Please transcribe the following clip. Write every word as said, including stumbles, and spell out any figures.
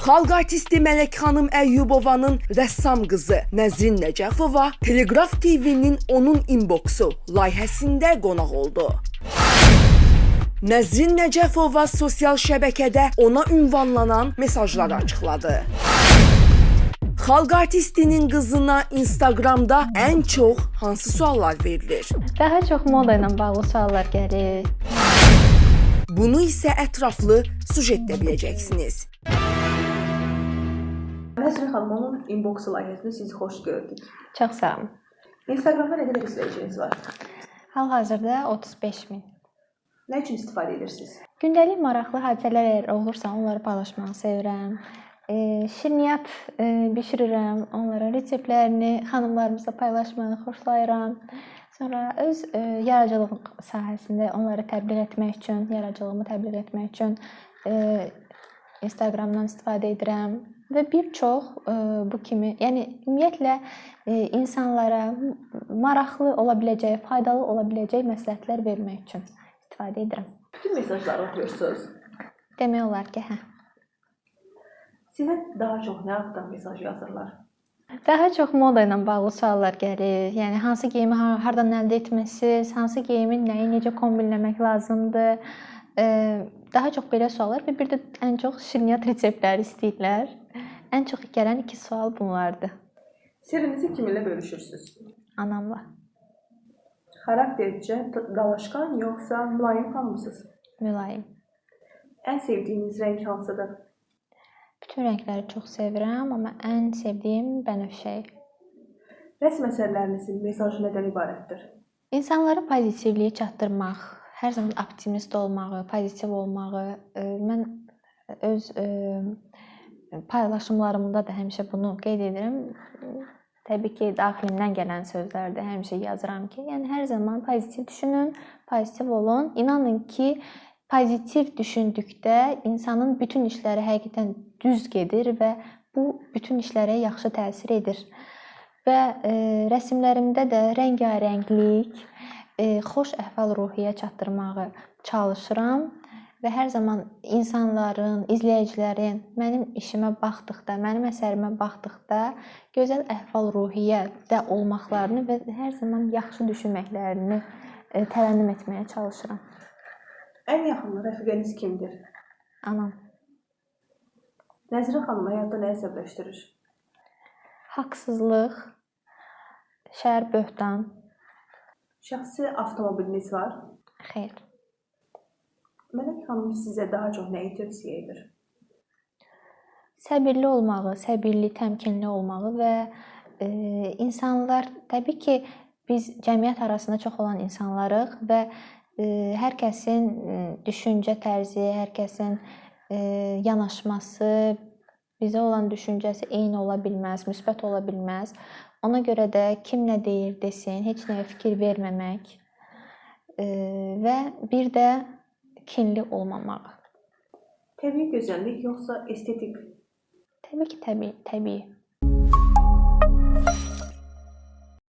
Xalq artisti Mələk xanım Əyyubovanın rəssam qızı Nəzrin Nəcəfova Telegraf T V-nin onun inboxu layihəsində qonaq oldu. Nəzrin Nəcəfova sosial şəbəkədə ona ünvanlanan mesajları açıqladı. Xalq artistinin qızına Instagramda ən çox hansı suallar verilir? Daha çox moda ilə bağlı suallar gəlir. Bunu isə ətraflı sujetdə biləcəksiniz. Nəzrin xanımın inboxu layihəsində sizi xoş gördük. Çox sağ olun. Instagramda nə qədər izləyiciniz var? Hal-hazırda otuz beş min. Nə üçün istifadə edirsiniz? Gündəlik maraqlı hadisələr əgər olursa, onları paylaşmağı sevirəm. E, şirniyyat e, bişirirəm, onların reseptlərini xanımlarımızla paylaşmağı xoşlayıram. Sonra öz e, yaradıcılıq sahəsində onları təbliğ etmək üçün, yaradıcılığımı təbliğ etmək üçün e, Instagramdan istifadə edirəm və bir çox e, bu kimi, yəni ümumiyyətlə e, insanlara maraqlı ola biləcəyi, faydalı ola biləcəyi məsləhətlər vermək üçün istifadə edirəm. Bütün mesajları oxuyursunuz. Demək olar ki, hə. Sizə daha çox nə haqqında mesaj yazırlar? Daha çox moda ilə bağlı suallar gəlir. Yəni hansı geyimi hardan əldə etmisiniz, hansı geyimin nəyi necə kombinləmək lazımdır? E, daha çox belə suallar və bir də ən çox şirniyyat reseptləri istəyirlər. Ən çox gələn iki sual bunlardır. Sirrinizi kiminlə bölüşürsünüz? Anamla. Xaraktercə dalaşqan yoxsa mülayim xanımsınız? Mülayim. Ən sevdiyiniz rəng hansıdır? Bütün rəngləri çox sevirəm, amma ən sevdiyim bənövşəyi. Rəsm əsərlərinizin mesajı nədən ibarətdir? İnsanlara pozitivliyi çatdırmaq, hər zaman optimist olmağı, pozitiv olmağı, mən öz paylaşımlarımda da həmişə bunu qeyd edirəm. Təbii ki, daxilimdən gələn sözlərdə həmişə yazıram ki, yəni hər zaman pozitiv düşünün, pozitiv olun. İnanın ki, pozitiv düşündükdə insanın bütün işləri həqiqətən düz gedir və bu bütün işlərə yaxşı təsir edir. Və e, rəsmlərimdə də rəngarənglik, e, xoş əhval-ruhiyyə çatdırmağı çalışıram və hər zaman insanların, izləyicilərin mənim işimə baxdıqda, mənim əsərimə baxdıqda gözəl əhval-ruhiyyədə olmaqlarını və hər zaman yaxşı düşünməklərini e, tərənnüm etməyə çalışıram. Ən yaxın rəfiqəniz kimdir? Anam. Nəzrin xanım həyatda nə əsəbləşdirir? Haqsızlıq, şər böhtan. Şəxsi avtomobiliniz var? Xeyr. Mələk xanım sizə daha çox nəyi tövsiyə edir? Səbirli olmağı, səbirli, təmkinli olmağı və e, insanlar, təbii ki, biz cəmiyyət arasında çox olan insanlarıq və e, hər kəsin düşüncə tərzi, hər kəsin e, yanaşması, bizə olan düşüncəsi eyni ola bilməz, müsbət ola bilməz. Ona görə də kim nə deyir desin, heç nəyə fikir verməmək e, və bir də kinli olmamaq. Təbii gözəllik yoxsa estetik? Təbii ki, təbii, təbii.